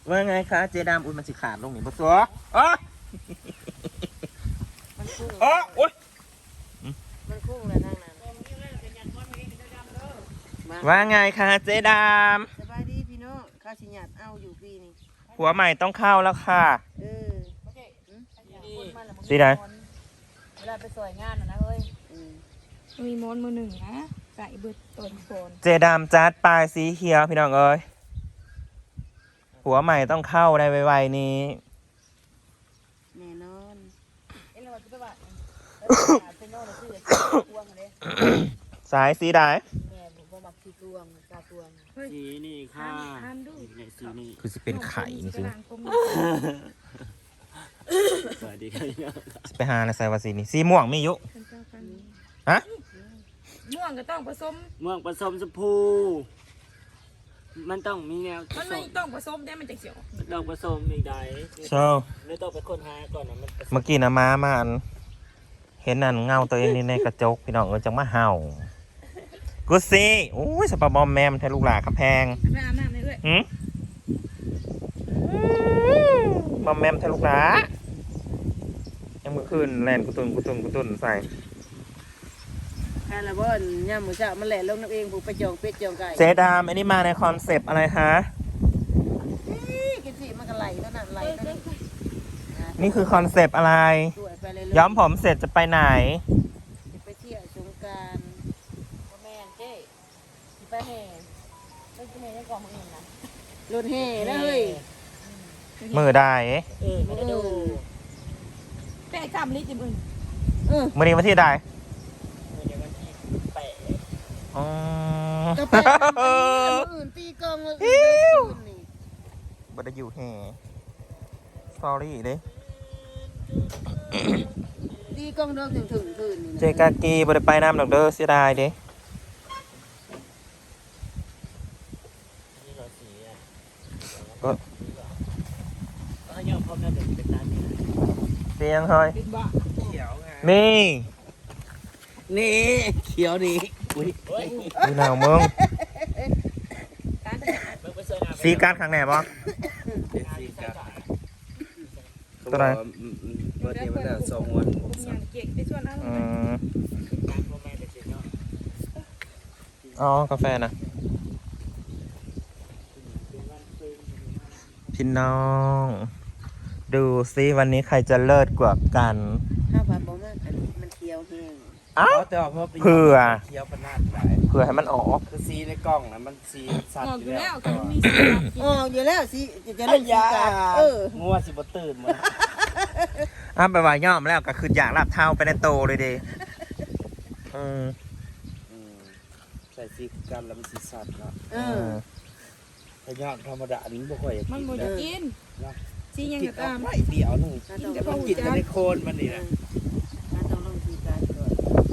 ว่าไงคะเจดามอุ้ยมันสิขาดลงนี่บ่สัวอ๋ออ๋อโอ๊ยมันคุ้งเลยทางนั้นว่าไงคะเจดามสบายดีพี่น้องข้าวสิหยาดเอาอยู่ปีนี้ผัวใหม่ต้องเข้าแล้วค่ะสิได้เวลาไปสวยงานนะเฮ้ยมีมอนมือหนึ่งนะใส่เบิดต้นโคนเจดามจัดปลายสีเขียวพี่น้องเอ้ยผัวใหม่ต้องเข้าในไวๆนี้แน่นอนเอ้ยเราจะไปว่าเป็นโน่นเลยชื่อพวงเลยสายสีได้แม่ผมบอกสีพวงกาพวงสีนี่ค่ะในสีนี่คือสิเป็นไข่จริงสวัสดีครับๆไปหาในสายวาสีนี่สีม่วงมีอยู่ฮะม่วงก็ต้องผสมม่วงผสมชมพูมันต้องมีแนวมันไม่ต้องผสมได้มันจะเขียวต้องผสมอีกใดโซ่แล้วต้องไปค้นหาก่อนนะมันเมื่อกี้นะมาอันเห็นนั่นเงาตัวเองนี่ในกระจกพี่น้องเอ้ยจังมาเห่ากูสิโอ้ยสปาบอมแมมแทนลูกหลาครับแพงไปอาบน้ำเลยเอ้ยบอมแมมแทนลูกหลายังเมื่อคืนแลนกุตุนใส่แค่ละบ่อนย่ามหมูจ่ามันแหละลงน้ำเองผูกไปจองเป็ดจองไก่เจดามอันนี้มาในคอนเซปต์อะไรฮะกินสิมันก็ไหลเท่านั้นไหลเท่านั้นนี่คือคอนเซปต์อะไรสวยไปเลยย้อมผมเสร็จจะไปไหนจะไปเที่ยวสงกรานต์แม่เจ๊ไปแห่ไปแห่ยังกองมืออื่นนะรถแห่นะเฮ้ยมือได้ไม่ได้ดูแป้งคำลิจิมึงมือนี้วันที่ใดเดี๋ยววันที่แปะอ๋อก็ไปมืออื่นตีกองมืออื่นนี่บัดอยู่แห่ sorry เด้ตีกองเดิมถึงคืนนี่เจกากีบัดไปน้ำดอกเด้อเสียดายเด้นี่เราสีอ่ะก็ก็ยอมพร้อมแล้วเดี๋ยวเป็นตาเนี่ยเสียงเฮ้ยเป็นบ้าเขียวไงนี่นี่เขียวนี่อุ้ยดูหนาวมึงการมึงไปเสิร์ฟสีการดข้างไหนบ่เป็นสีกาตัวไหนเบอร์เดียวมันจะสองวันผมอยากเก่งไปชวนเอาอืมการพ่อแม่จะเช็คเนาะอ๋อกาแฟนะพี่น้อง ดูซิวันนี้ใครจะเลิศกว่ากันถ้าผ่านบ่มากอันนี้มันเคี้ยวแห้งเอ้าแต่ว่าเผื่อเขียวปนาดหลายเพื่อให้มันออกคือสีในกล้องนะมันสีสัตออกว์ออยู่ ยู่แล้แล้ว วกันมีสีอ๋ออยู่แล้วสิจะเล่นสีกางัวสิบตื่นมาอ้าวไปว่าย่อมแล้วก็คืออยากรับเท้าไปในโตเลยเดิอืมใส่สีกันแล้วมันสีสัตว์เนาะ Ừ. แต่ยอดธรรมดาอันนี้บ่ค่อยมันหมดกินสียังกินก็เอาตามไว้เดียวนึงต้องกินแต่ในโคนมันนี่นะต้องลงสีกาก่อน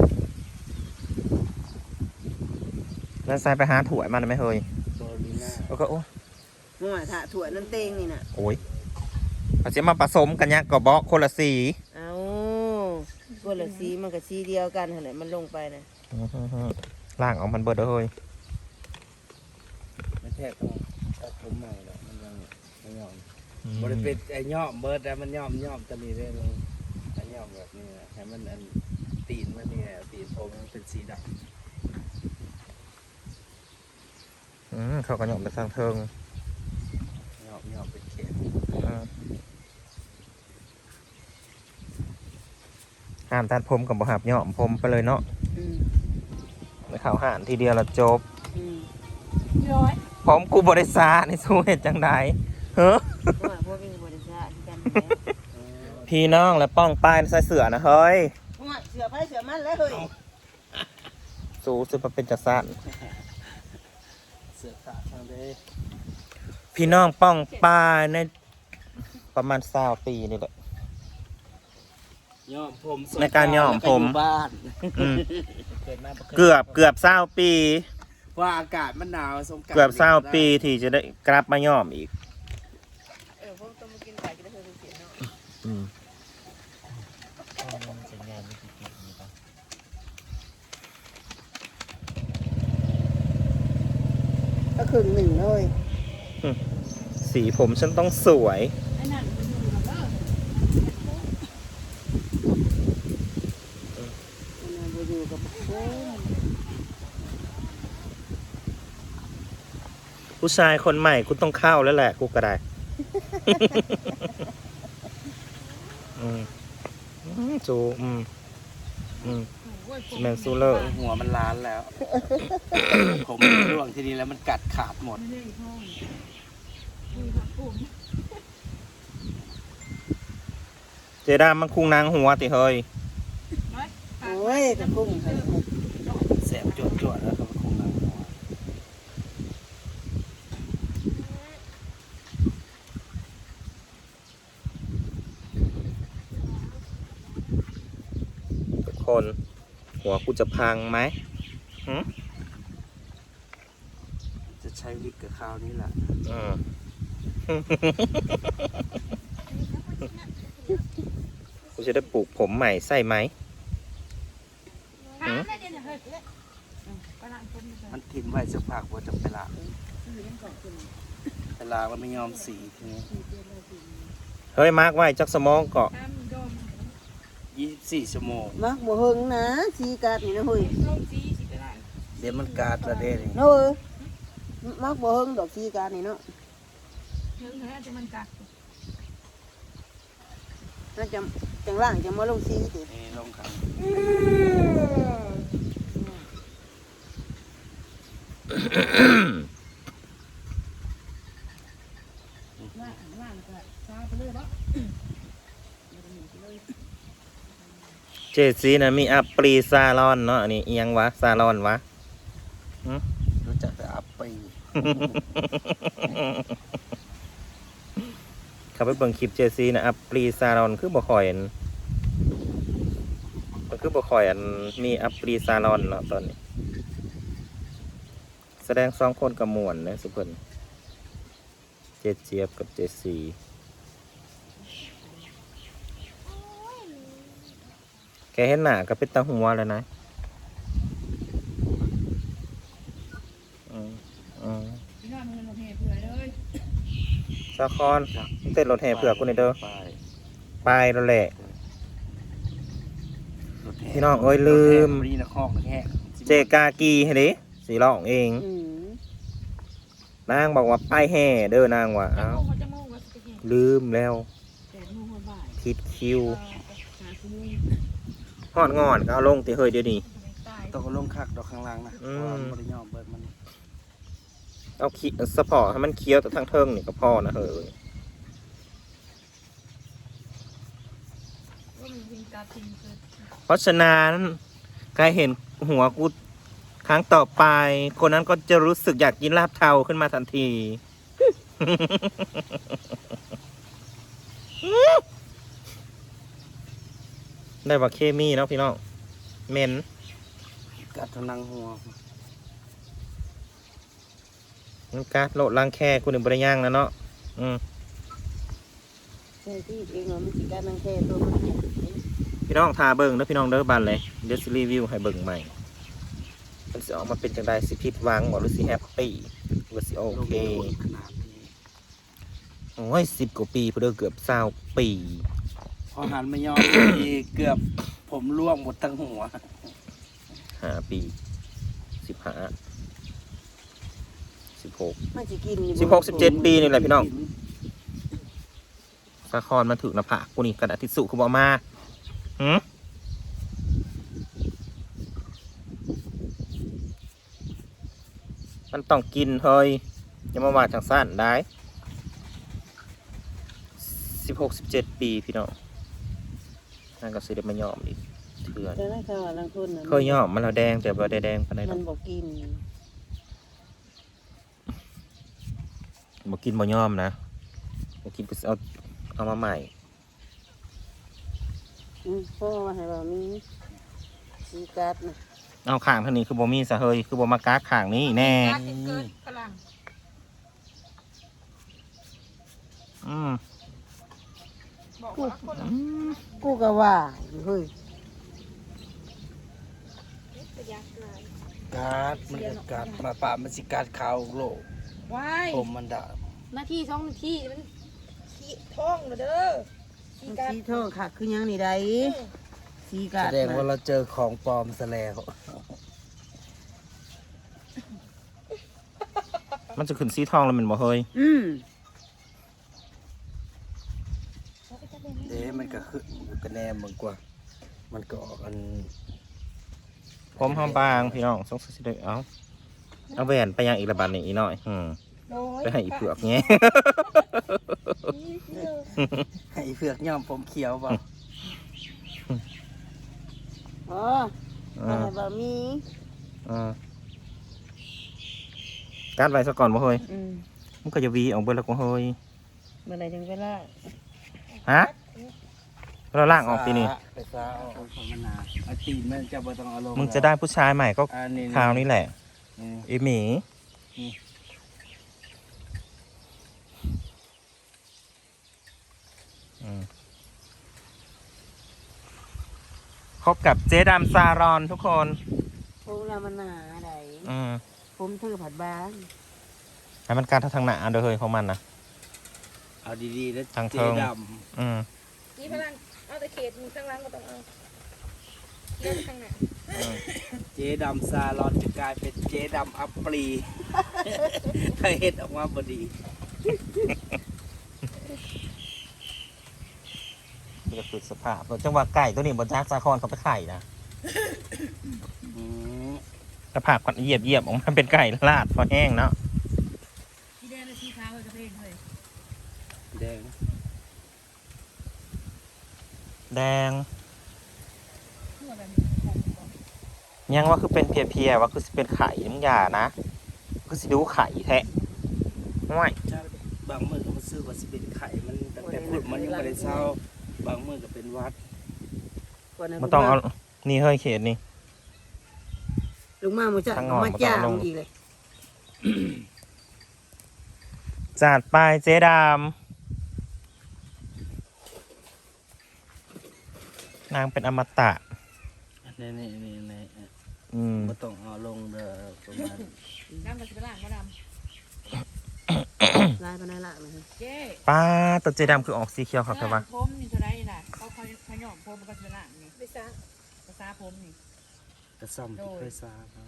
แล้วใส่ไปหาถั่วมันไหมเฮ้ยโบลิน่าแล้วก็โอ้มั่วถะถั่วน้ำเต็งนี่น่ะโอ้ยเอาจะมาผสมกันเนี่ยก็บอกคนละสีเอาก็ละสีมันก็สีเดียวกันหั่นแหละมันลงไปนะล่างออกมันเบิดเด้อเฮ้ยไม่แทบต้องตัดผมใหม่แล้วมันยังไม่ยอมบริเป็นไอ้ย่อมเบิร์ดแล้วมันย่อมจะมีเรื่องไอ้ย่อมแบบนี้นะให้มันอันตีนมันนี่แหละตีนผมมันเป็นสีดเขาก็หยอมไปสร้างเทิงำย่อมเป็นเขตห้ามตัดผมกับบ่หับหยอมผมไปเลยเนาะอืมไปข่าวห่านทีเดียวละจบอืมย้อยผมกูบริษาในสู้เหตุจังใดเฮ้อเพราะว่าพวกเป็นบริษัทกันพี่น้องและป้องป้ายใส่เสือนะเฮ้ยเพราะว่าเสือไผ่เสือมันแล้วเฮ้ยสู้สึกมาเป็นจักรสันเสือขาดทางเด้พี่น้องป้องป้ายในประมาณ20 ปีนี่แหละย่อมผมในการย่อมผมแล้วก็อยู่บ้านอืมเกิดมาบ่คยเกือบ20 ปีว่าอากาศมันหนาวสงกรานต์เกือบ20 ปีที่จะได้กลับมาย่อมอีกพวกต้องมากินไก่จะได้เธอเสียเนาะอืมมันจะงานไม่กี่ปีนี้ปะก็ครึ่งหนึ่งเลยสีผมฉันต้องสวยไอ้นั่นมันอยู่กับเออมันน่ะบ่อยู่กับโอ้ยผู้ชายคนใหม่กูต้องเข้าแล้วแหละกูก็ได้ จูแมนซูเลอร์หัวมันล้านแล้ว ผมร่วงทีนี้แล้วมันกัดขาดหมดไม่ได้ห้องคุยกับผมเจดามมันคุงนางหัวติเฮ้ยโอ้ยกระพุ่งให้แสบจวดๆแล้วก็คงหนังหัวทุกคนหัวกูจะพังไหมจะใช้วิกกับข้าวนี้แหละกูจะได้ปลูกผมใหม่ใส่ไหมถามได้เดี๋ยวเฮ้ยกำลังคนอยู่มันทิ่มไว้สักพักว่าจะไปล้างไปล้างแล้วไม่ยอมสีทีนี้เฮ้ยมาร์กไว้จักสมองเกาะตามดม 24 ชั่วโมงมักบ่เฮิงนะสีกาดนี่นะเฮ้ยส้มสีสิได้เดี๋ยวมันกัดละเด้นี่เนาะมักบ่เฮิงดอกสีกาดนี่เนาะเรื่องนี้จะมันกัดน่าจะจังล่างจะมาลงสีตินี่ลงขังล่างก็ซาไปเลยปะเจซีนะมีอัปปรีซาลอนเนาะอันนี้เอียงวะซาลอนวะรู้จักแต่อัปปีเขาไปเบิ่งคลิปเจซีนะอัปปรีซาลอนคือบ่คอยอันมันคือบ่คอยอันมีอัปปรีซาลอนเนาะตอนนี้ แสดง2คนกับม่วนนะสุเพิ่นเจเจี๊ยบกับเจซีแกเห็นหน้าก็เป็นตาหัวแล้วนะพี่น้องมันเหตุเผื่อเลยสะคอนเต้นรถแห่เผื่อกูในอยเด้อไปไปแล้วแหละรถแห่พี่น้องเอ้ยลืมรถแห่รีนะคอกนะแห่เจกากีให้ดิสีร้องเอง นางบอกว่าไปแห่เด้อนางว่าจะเอ้ามุ่งจะมุ่งว่าจะเหตุลืมแล้วแต่มุ่งว่าบ่ายผิดคิวหาคุณฮอดงอนก็เอาลงติเฮ้ยเดี๋ยวนี้ตายต้องเอาลงคักดอกข้างล่างนะเพราะว่ามันบ่ได้ย่อมเบิดมันเอาขี้สปอร์ตให้มันเคี้ยวแต่ทั้งเทิงนี่ก็พอนะเฮ้ยว่ามันยิงกาทิงเกิดเพราะฉะนั้นใครเห็นหัวกูครั้งต่อไป คนนั้นก็จะรู้สึกอยากกินลาบเทาขึ้นมาทันที ได้ว่าเคมีเนาะพี่น้องเหม็นกัดทางนังหัวมันกาดโลดล้างแค่กูหนึ่งบริย่างนะเนาะใช่ที่เองว่ามันสิการนังแค่ตัวมันพี่น้องทาเบิ่งเด้อพี่น้องเด้อบันเลยเดี๋ยวสิรีวิวให้เบิ่งใหม่มันสิออกมาเป็นจังไดสิผิดหวังบ่หรือสิแฮปปี้หรือสิโอเคขนาดนี้โอ้ย10 กว่าปีเพื่อเกือบ20 ปีพอหันไม่ยอมทีเกือบผมร่วงหมดทั้งหัว 5 ปี15 16 มันสิกินอยู่ 16 17 ปีนี่แหละพี่น้องสะคอนมาถึงหน้าผากกูนี่กระดาษทิชชู่กูบ่เอามาหืมมันต้องกินเฮ้ยอย่ามาว่าจังสั้นได้16 17 ปีพี่น้องนั่นก็สิได้มายอมอีกเถื่อนแต่นั่นค่ะลังคนน่ะเคยยอมมันแล้วแดงแต่บ่ได้แดงปานใดหรมัอกนบ่กินบ่กินบ่ยอมนะบ่กินก็สิเอามาใหม่เพราะว่าให้ว่ามีสีกาดนะเอาข้างเท่านี้คือบ่มีซะเฮ้ยคือบ่มากากข้างนี้แน่กาทิงเกิดพลัง บอกว่าคนกูก็ว่าอยู่เฮ้ยจะยากเกินกัดมันจะกัดมาป่ามันสิกัดขาวโลกว้ายผมมันด่านาที2 นาทีมันขี้ท้องเด้อขี้มันกัดสีทองค่ะคือหยังนี่ได้สีกาแสดดงว่าเราเจอของปลอมซะแล้วมันจะขึ้นสีทองแล้วแมันบ่เฮ้ยมันก็ขึ้นก็แนมมันกว่า มันก็ออกอันผมหอมบางพี่น้องสงสัยสิได้เอาแหวนไปยังอีกระบาดนี่อีกหน่อยโดยไปให้อีเผือกเงี้ยให้เผือกย่อมผมเขียวบ่อ๋ออะไรบ่มีการไว้ซะก่อนบ่เฮ้ยอืมมันก็จะวีออกเบิดแล้วก็เฮ้ยเมื่อไหร่จังเวลาฮะเราล่างออกทีนี่ไปซาเอาของมันนาเอาตีนมันจะบ่ต้องเอาลงมึงจะได้ผู้ชายใหม่ก็อันนี้คราวนี้แหละนี่อีหมีพบกับเจ๊ดำซารอนทุกคนผมละมันหนาได้ ผมเธอผัดบ้านให้มันการทางหน้าเด้อเฮ้ยของมันนะเอาดีๆแล้วทางเทิเจ๊งดนี่พลังเอาแต่เขตมึงข้างล่างก็ต้องเอาเลี้ยวไปข้างหน้าำเจ๊ดำซาลอนจะกลายเป็นเจ๊ดำอัปปรีถ้าเฮ็ดออกมาพอดีนี่ก็คือสภาพจังหวะไก่ตัวนี้บนจากสาครเขาไปไข่นะสภาพก่อนเหยียบออกมาเป็นไก่ลาดพอแห้งเนาะสีแดงและสีขาวจะเป็นเลยแดงแดงหัวแบบนี้ยังว่าคือเป็นเพียๆว่าคือสิเป็นไข่มึงอย่านะคือสิดูไข่แท้ห่วยบางมือก็มาซื้อว่าสิเป็นไข่มันตั้งแต่พูดมันยังไม่ได้เศร้าบางมือก็เป็นวัดมันต้องเอานี่เฮ้ยเขตนี่ลุงมาหมูจะทางงอนมาจ้างบ่ต้องลงอีกเลยจัดไปเจ๊ดำนางเป็นอมตะนี่ไม่ต้องเอาลงเด้อประมาณน้ำกับสีล่างก็ดลายปานใดละมันำเจ๊ป้าตัวเจ๊ดำคือออกสีเขียวครับใช่ปะผมนี่จะได้น่ะเขาขย่อมผมมันก็สีล่างนี่ไปซะภาษาผมนี่กระซ่อมที่เคยซาครับ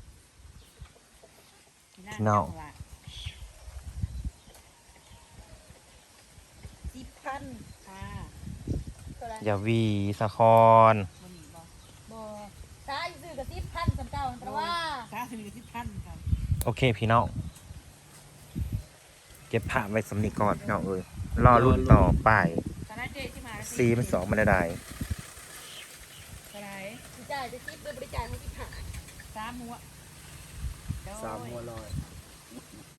10,000ค่ะอย่าวีสะครบ่ตาซื้อกับ10,000สำเจ้าเพราะว่าตาซื้อกับ10,000ครับโอเคพี่น้องเก็บผ้าไว้สำนีก่อนพี่น้องเอ้ยรอรุ่นต่อไปตาเจ๊ที่มาซีมันสองมันได้อะไรจ่ายจะ10ด้วยบริจาคให้ที่ผ่าน3หัว 3 หัวลอย